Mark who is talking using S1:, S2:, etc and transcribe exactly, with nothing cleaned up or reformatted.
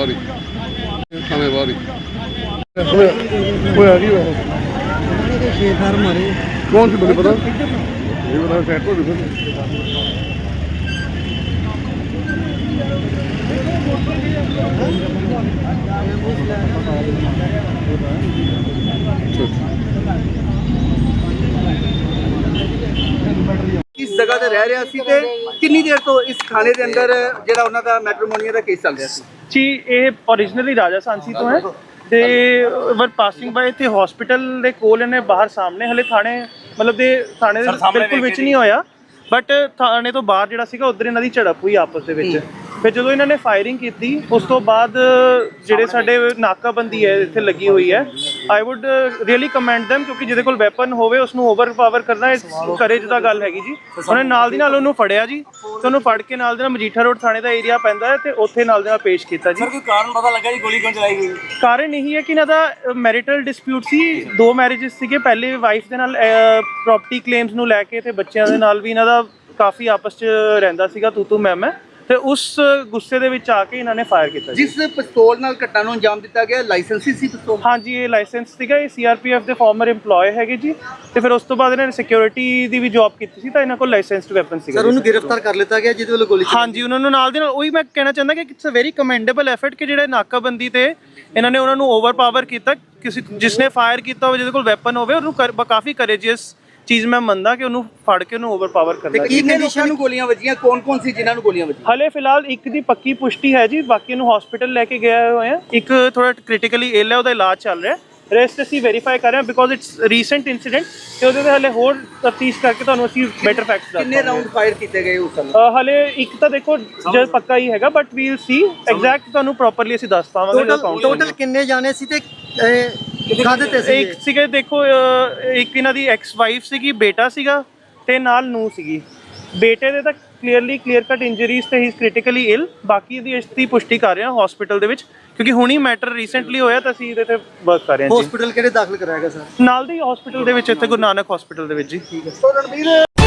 S1: ਬਾਹਰ ਹੀ ਥਾਣੇ ਬਾਹਰ ਹੀ ਹੋਇਆ ਕੀ ਹੋਇਆ
S2: ਛੇ ਫਾਰ ਮਾਰੇ
S1: ਕੌਣ ਸੀ ਮੈਨੂੰ ਪਤਾ ਇਹ ਬੜਾ ਸੈਟ ਹੋ ਗਿਆ
S2: किस जगह ते रह रहा सी ते कितनी देर तो इस थाने के अंदर जेड़ा उन्हां दा मैट्रिमोनिया दा केस चल रहा सी
S3: जी ये ओरिजिनली राजा सांसी तो है ਤੇ ਵਰ ਪਾਸਿੰਗ ਬਾਏ ਤੇ ਹਸਪੀਟਲ ਦੇ ਕੋਲ ਇਹਨੇ ਬਾਹਰ ਸਾਹਮਣੇ ਹਲੇ ਥਾਣੇ ਮਤਲਬ ਦੇ ਥਾਣੇ ਦੇ ਬਿਲਕੁਲ ਵਿੱਚ ਨਹੀਂ ਹੋਇਆ ਬਟ ਥਾਣੇ ਤੋਂ ਬਾਹਰ ਜਿਹੜਾ ਸੀਗਾ ਉਧਰ ਇਹਨਾਂ ਦੀ ਝੜਪ ਹੋਈ ਆਪਸ ਦੇ ਵਿੱਚ ਫਿਰ ਜਦੋਂ ਇਹਨਾਂ ਨੇ ਫਾਇਰਿੰਗ ਕੀਤੀ ਉਸ ਤੋਂ ਬਾਅਦ ਜਿਹੜੇ ਸਾਡੇ ਨਾਕਾਬੰਦੀ ਹੈ ਇੱਥੇ ਲੱਗੀ ਹੋਈ ਹੈ I would really commend them ਕਿਉਂਕਿ ਜਿਹਦੇ ਕੋਲ ਵੈਪਨ ਹੋਵੇ ਉਸ ਨੂੰ ਓਵਰਪਾਵਰ ਕਰਨਾ ਕਰੇਜ ਦਾ ਗੱਲ ਹੈਗੀ ਜੀ ਉਹਨੇ ਨਾਲ ਦੀ ਨਾਲ ਉਹਨੂੰ ਫੜਿਆ ਜੀ ਤੇ ਉਹਨੂੰ ਫੜ ਕੇ ਨਾਲ ਦੇ ਨਾਲ ਮਜੀਠਾ ਰੋਡ ਥਾਣੇ ਦਾ ਏਰੀਆ ਪੈਂਦਾ ਹੈ ਤੇ ਉੱਥੇ ਨਾਲ ਦੇ ਨਾਲ ਪੇਸ਼ ਕੀਤਾ ਜੀ।
S4: ਸਰ ਕੋਈ ਕਾਰਨ ਪਤਾ ਲੱਗਾ ਜੀ ਗੋਲੀ ਕਿਉਂ ਚਲਾਈ ਗਈ?
S3: ਕਾਰਨ ਇਹੀ ਹੈ ਕਿ ਇਹਨਾਂ ਦਾ ਮੈਰਿਟਲ ਡਿਸਪਿਊਟ ਸੀ ਦੋ ਮੈਰਿਜਸ ਸੀਗੇ ਪਹਿਲੇ ਵਾਈਫ ਦੇ ਨਾਲ ਪ੍ਰੋਪਰਟੀ ਕਲੇਮਸ ਨੂੰ ਲੈ ਕੇ ਤੇ ਬੱਚਿਆਂ ਦੇ ਨਾਲ ਵੀ ਇਹਨਾਂ ਦਾ ਕਾਫੀ ਆਪਸ 'ਚ ਰਹਿੰਦਾ ਸੀਗਾ ਤੂੰ ਤੂੰ ਮੈਂ ਮੈਂ ਤੇ ਉਸ ਗੁੱਸੇ ਦੇ ਵਿੱਚ ਆ ਕੇ ਇਹਨਾਂ ਨੇ ਫਾਇਰ ਕੀਤਾ।
S2: ਜਿਸ ਪਿਸਤੌਲ ਨਾਲ ਘਟਨਾ ਨੂੰ ਅੰਜਾਮ ਦਿੱਤਾ ਗਿਆ ਲਾਇਸੈਂਸੀ ਸੀ ਪਿਸਤੌਲ?
S3: ਹਾਂਜੀ ਇਹ ਲਾਇਸੈਂਸ ਸੀਗਾ ਇਹ ਸੀਆਰਪੀਐਫ ਦੇ ਫਾਰਮਰ EMPLOYE ਹੈਗੇ ਜੀ ਤੇ ਫਿਰ ਉਸ ਤੋਂ ਬਾਅਦ ਇਹਨਾਂ ਨੇ ਸਿਕਿਉਰਿਟੀ ਦੀ ਵੀ ਜੌਬ ਕੀਤੀ ਸੀ ਤਾਂ ਇਹਨਾਂ ਕੋਲ ਲਾਇਸੈਂਸਡ ਵੈਪਨ ਸੀਗਾ।
S2: ਸਰ ਉਹਨੂੰ ਗ੍ਰਿਫਤਾਰ ਕਰ ਲਿੱਤਾ ਗਿਆ ਜਿਹਦੇ ਵੱਲੋਂ ਗੋਲੀ
S3: ਹਾਂਜੀ ਉਹਨਾਂ ਨੂੰ ਨਾਲ ਦੇ ਨਾਲ ਉਹੀ ਮੈਂ ਕਹਿਣਾ ਚਾਹੁੰਦਾ ਕਿ it's a very commendable effort ਕਿ ਜਿਹੜੇ ਨਾਕਾਬੰਦੀ ਤੇ ਇਹਨਾਂ ਨੇ ਉਹਨਾਂ ਨੂੰ ਓਵਰਪਾਵਰ ਕੀਤਾ ਕਿਸੇ ਜਿਸਨੇ ਫਾਇਰ ਕੀਤਾ ਹੋਵੇ ਜਿਹਦੇ ਕੋਲ ਵੈਪਨ ਹੋਵੇ ਉਹਨੂੰ ਕਾਫੀ ਕਰੇਜੀਅਸ ਚੀਜ਼ ਮੈਂ ਮੰਨਦਾ ਕਿ ਉਹਨੂੰ ਫੜ ਕੇ ਉਹਨੂੰ ਓਵਰਪਾਵਰ ਕਰਨਾ।
S2: ਤੇ ਕਿੰਨੇ ਲੋਕਾਂ ਨੂੰ ਗੋਲੀਆਂ ਵੱਜੀਆਂ ਕੌਣ ਕੌਣ ਸੀ ਜਿਨ੍ਹਾਂ ਨੂੰ ਗੋਲੀਆਂ ਵੱਜੀਆਂ?
S3: ਹਲੇ ਫਿਲਹਾਲ ਇੱਕ ਦੀ ਪੱਕੀ ਪੁਸ਼ਟੀ ਹੈ ਜੀ ਬਾਕੀ ਨੂੰ ਹਸਪੀਟਲ ਲੈ ਕੇ ਗਏ ਹੋਏ ਆ ਇੱਕ ਥੋੜਾ ਕ੍ਰਿਟੀਕਲੀ ਇਲ ਹੈ ਉਹਦਾ ਇਲਾਜ ਚੱਲ ਰਿਹਾ ਰੈਸਟ ਅਸੀਂ ਵੈਰੀਫਾਈ ਕਰ ਰਹੇ ਹਾਂ ਬਿਕੋਜ਼ ਇਟਸ ਰੀਸੈਂਟ ਇਨਸੀਡੈਂਟ ਤੇ ਉਹਦੇ ਤੇ ਹਲੇ ਹੋਰ ਤਫਤੀਸ਼ ਕਰਕੇ ਤੁਹਾਨੂੰ ਅਸੀਂ ਬੈਟਰ ਫੈਕਟਸ ਦੱਸਾਂਗੇ।
S2: ਕਿੰਨੇ ਰਾਉਂਡ ਫਾਇਰ ਕੀਤੇ ਗਏ ਉਸ ਸਮੇਂ?
S3: ਹਲੇ ਇੱਕ ਤਾਂ ਦੇਖੋ ਜੇ ਪੱਕਾ ਹੀ ਹੈਗਾ ਬਟ ਵੀਲ ਸੀ ਐਗਜ਼ੈਕਟ ਤੁਹਾਨੂੰ ਪ੍ਰੋਪਰਲੀ ਅਸੀਂ ਦੱਸ ਪਾਵਾਂਗੇ ਜਦੋਂ ਕਾਊਂਟ
S2: ਟੋਟਲ ਕਿੰਨੇ ਜਾਣੇ ਸੀ ਤੇ ਕਾਹਦੇ ਤੇ ਸੀ?
S3: ਇੱਕ ਸੀਗੇ ਦੇਖੋ ਇੱਕ ਇਹਨਾਂ ਦੀ ਐਕਸ ਵਾਈਫ ਸੀਗੀ ਬੇਟਾ ਸੀਗਾ ਤੇ ਨਾਲ ਨੂੰ ਸੀਗੀ ਬੇਟੇ ਦੇ ਤਾਂ ਕਲੀਅਰਲੀ ਕਲੀਅਰ ਕੱਟ ਇੰਜਰੀਜ਼ ਤੇ ਹੀ ਇਜ਼ ਕ੍ਰਿਟੀਕਲੀ ਇਲ ਬਾਕੀ ਦੀ ਇਸ ਦੀ ਪੁਸ਼ਟੀ ਕਰ ਰਹੇ ਹਾਂ ਹਸਪੀਟਲ ਦੇ ਵਿੱਚ ਕਿਉਂਕਿ ਹੁਣੀ ਮੈਟਰ ਰੀਸੈਂਟਲੀ ਹੋਇਆ ਤਾਂ ਅਸੀਂ ਇਹਦੇ ਤੇ ਵਰਕ ਕਰ ਰਹੇ ਹਾਂ ਜੀ।
S2: ਹਸਪੀਟਲ ਕਿਹੜੇ ਦਾਖਲ ਕਰਾਇਆ ਗਿਆ ਸਰ?
S3: ਨਾਲ ਦੇ ਹਸਪੀਟਲ ਦੇ ਵਿੱਚ ਇੱਥੇ ਗੁਰੂ ਨਾਨਕ ਹਸਪੀਟਲ ਦੇ ਵਿੱਚ ਜੀ।
S2: ਠੀਕ ਹੈ।